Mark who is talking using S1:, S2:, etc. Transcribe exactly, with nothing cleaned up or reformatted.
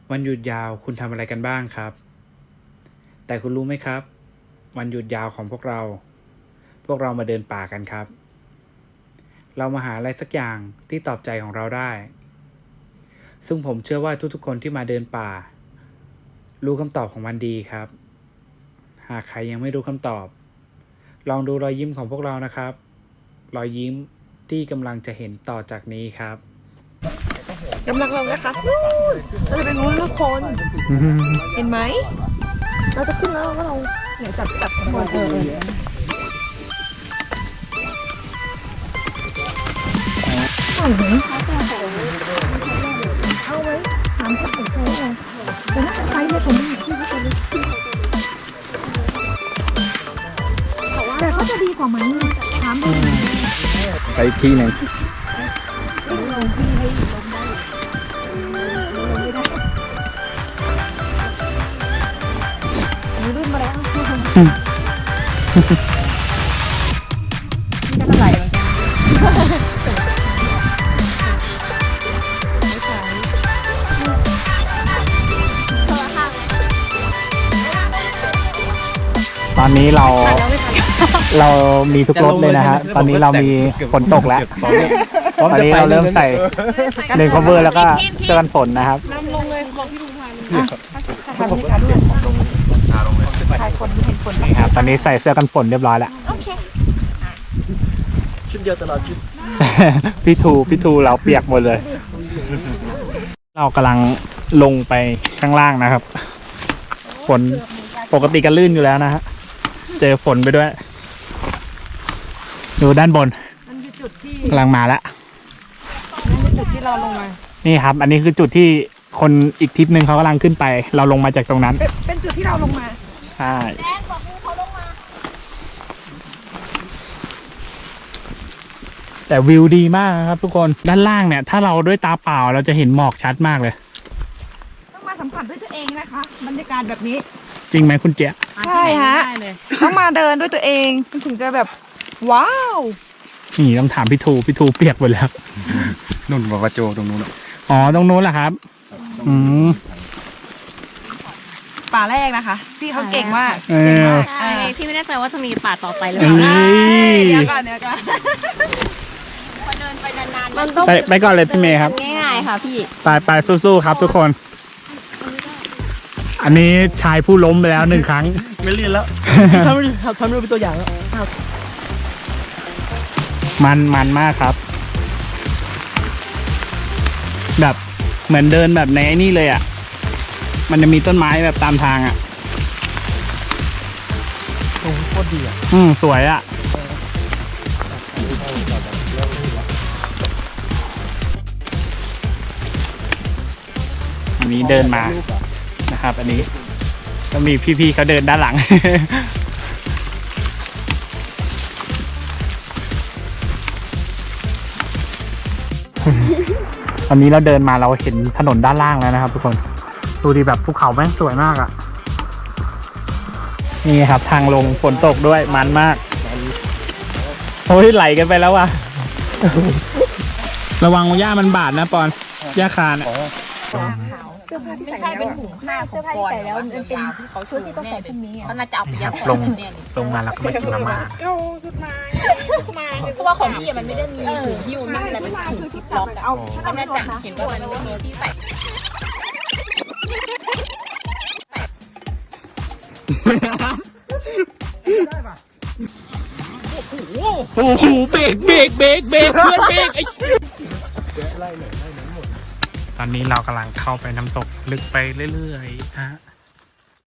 S1: วันหยุดยาวคุณทำอะไรกันบ้างครับแต่คุณรู้ไหมครับวันหยุดยาวของพวกเราพวกเรามาเดินป่ากันครับเรามาหาอะไรสักอย่างที่ตอบใจของเราได้ซึ่งผมเชื่อว่าทุกๆคนที่มาเดินป่ารู้คำตอบของมันดีครับหากใครยังไม่รู้คำตอบลองดูรอยยิ้มของพวกเรานะครับรอยยิ้มที่กำลังจะเห็นต่อจากนี้ครับ
S2: กำลังลงนะคะเราจะเป็นนู้นทุกคนเห็นไหมเราจะขึ้นแล้วก็ลงเดี๋ยวจับจับข้างบนเออเอาไหมเอาไหมถามสักหนึ่งใจเลยแต่ถ้าใครเนี่ยผมไม่ที่เขาจะแต่ก็จะดีกว่าไหมถามดู
S1: ไปที่หนึ่ง
S2: ลงที่ให้ลงได้มีรุ่นมาแล้วนี่ก็เท่าไหร่เหมือนกัน
S3: ตอนนี้เราเรามีทุกรถเลยนะฮะตอนนี้เรามีฝนตกแล้วตอนนี้เราเริ่มใส่เลนคอเวอร์แล้วก็เสื้อกันฝนนะครับ
S2: นำลงเลยบอกพี่ลุงพาเลยทำให้การด้วยถ่ายคนเห็นฝน
S3: นี่ครับตอนนี้ใส่เสื้อกันฝนเรียบร้อยแล้ว
S2: โอเค
S4: ชุดเดียวตลอดชุด
S3: พี่ทูพี่ทูเราเปียกหมดเลยเรากำลังลงไปข้างล่างนะครับฝนปกติก็ลื่นอยู่แล้วนะฮะเจอฝนไปด้วยดูด้านบน
S2: มันคือจุดที่
S3: กำลังมาแล้ว
S2: นั่นคือจุดที่เราลงมา
S3: นี่ครับอันนี้คือจุดที่คนอีกทริปหนึ่งเขากำลังขึ้นไปเราลงมาจากตรงนั้น
S2: เป็นจุดที่เราลงมา
S3: ใช่แต่วิวดีมากนะครับทุกคนด้านล่างเนี่ยถ้าเราด้วยตาเปล่าเราจะเห็นหมอกชัดมากเลย
S2: ต้องมาสัมผัสด้วยตัวเองนะคะบรรยากาศแบบนี้
S3: จริงไหมคุณเจ๊
S2: ใช่ฮะต้องมาเดินด้วยตัวเองถึงจะแบบว้าว
S3: นี่ต้องถามพี่ทูพี่ทูเปียกหมดแล้ว
S4: นุ่นบอกว่าโจตรงนู้น
S3: อ๋อตรงนู้นแหละครับอืม
S2: ป่าแรกนะคะพี่เขาเก่งมาก
S3: เก่งมาก
S5: ใช่พี่ไม่แน่ใจว่าจะมีป่าต่อไปหรือเ
S3: ปล่า
S2: เดี๋ยวก่อนเดี๋ยวก่อน
S5: พอเดินไปนาน
S3: ๆมันต้องไปก่อนเลยพี่เมย์ครับ
S5: ง่ายๆค่ะพี่
S3: ไปไปสู้ๆครับทุกคนอันนี้ชายผู้ล้มไปแล้วหนึ่งครั้ง
S4: ไม่เรียนแล้วทำทำดูเป็นตัวอย่างแล้ว
S3: มันมันมากครับแบบเหมือนเดินแบบในนี่เลยอ่ะมันจะมีต้นไม้แบบตามทางอ่ะ
S4: โอ้โคตรดีอ่ะ
S3: อืมสวยอ่ะอันนี้เดินมานะครับอันนี้ก็มีพี่ๆเขาเดินด้านหลัง ตอนนี้เราเดินมาเราเห็นถนนด้านล่างแล้วนะครับทุกคนดูดีแบบภูเขาแม่งสวยมากอ่ะนี่ครับทางลงฝนตกด้วยมันมากโอ้ยไหลกันไปแล้วว่ะ ระวังหญ้ามันบาดนะปอนหญ้าคาเนี่ย
S2: เสื้อผ้าที่ใส่เป็นถุงผ้าเสื้อผ้าที่ใส่แล้วมันเป็นชุดที่ต้องใส่พรุ่งนี้อ่ะ
S5: เขาน่าจะเอาไปยัด
S3: ลงลงมาแล้วก็ไม่กินมาม่า
S2: เอาชุดมา
S5: มาเพราะว่าของพี่มันไม่ได้มีถุงยูมันอะไรเป็นถุงซิปล็อกอ่ะเขาน่าจะเห็นว่ามันไม่มีที่ใส่
S3: โอ้โหเบรกเบรกเบรกเบรกเพื่อนเบรกไอ้ตอนนี้เรากำลังเข้าไปน้ำตกลึกไปเรื่อยๆฮะ